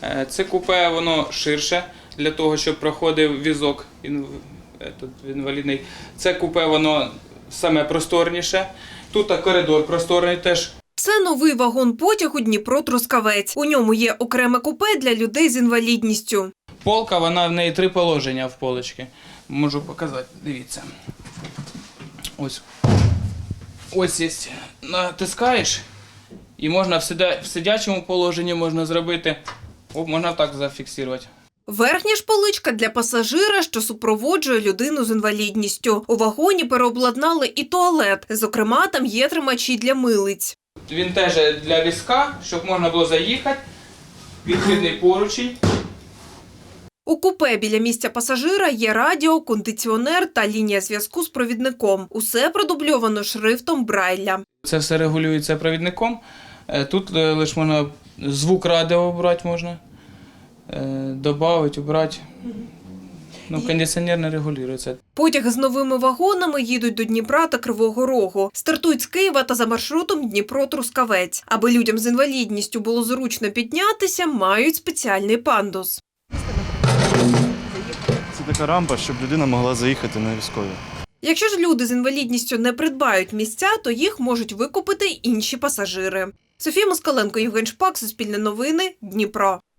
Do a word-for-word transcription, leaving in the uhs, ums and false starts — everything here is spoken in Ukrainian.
Це купе, воно ширше для того, щоб проходив візок інвалідний. Це купе, воно саме просторніше. Тут коридор просторний теж. Це новий вагон-потяг у Дніпро-Трускавець. У ньому є окреме купе для людей з інвалідністю. Полка, вона в неї три положення в полочці. Можу показати, дивіться. Ось. Ось є. Натискаєш і можна в сидячому положенні можна зробити, можна так зафіксувати. Верхня ж поличка для пасажира, що супроводжує людину з інвалідністю. У вагоні переобладнали і туалет. Зокрема, там є тримачі для милиць. Він теж для візка, щоб можна було заїхати. Відхідний поручень. У купе біля місця пасажира є радіо, кондиціонер та лінія зв'язку з провідником. Усе продубльовано шрифтом Брайля. Це все регулюється провідником. Тут лише можна звук радіо обрати можна. Добавити, убрати. Ну, кондиціонер не регулюється. Потяги з новими вагонами їдуть до Дніпра та Кривого Рогу. Стартують з Києва та за маршрутом Дніпро-Трускавець. Аби людям з інвалідністю було зручно піднятися, мають спеціальний пандус. Це така рампа, щоб людина могла заїхати на військові. Якщо ж люди з інвалідністю не придбають місця, то їх можуть викупити інші пасажири. Софія Москаленко, Євген Шпак, Суспільне новини, Дніпро.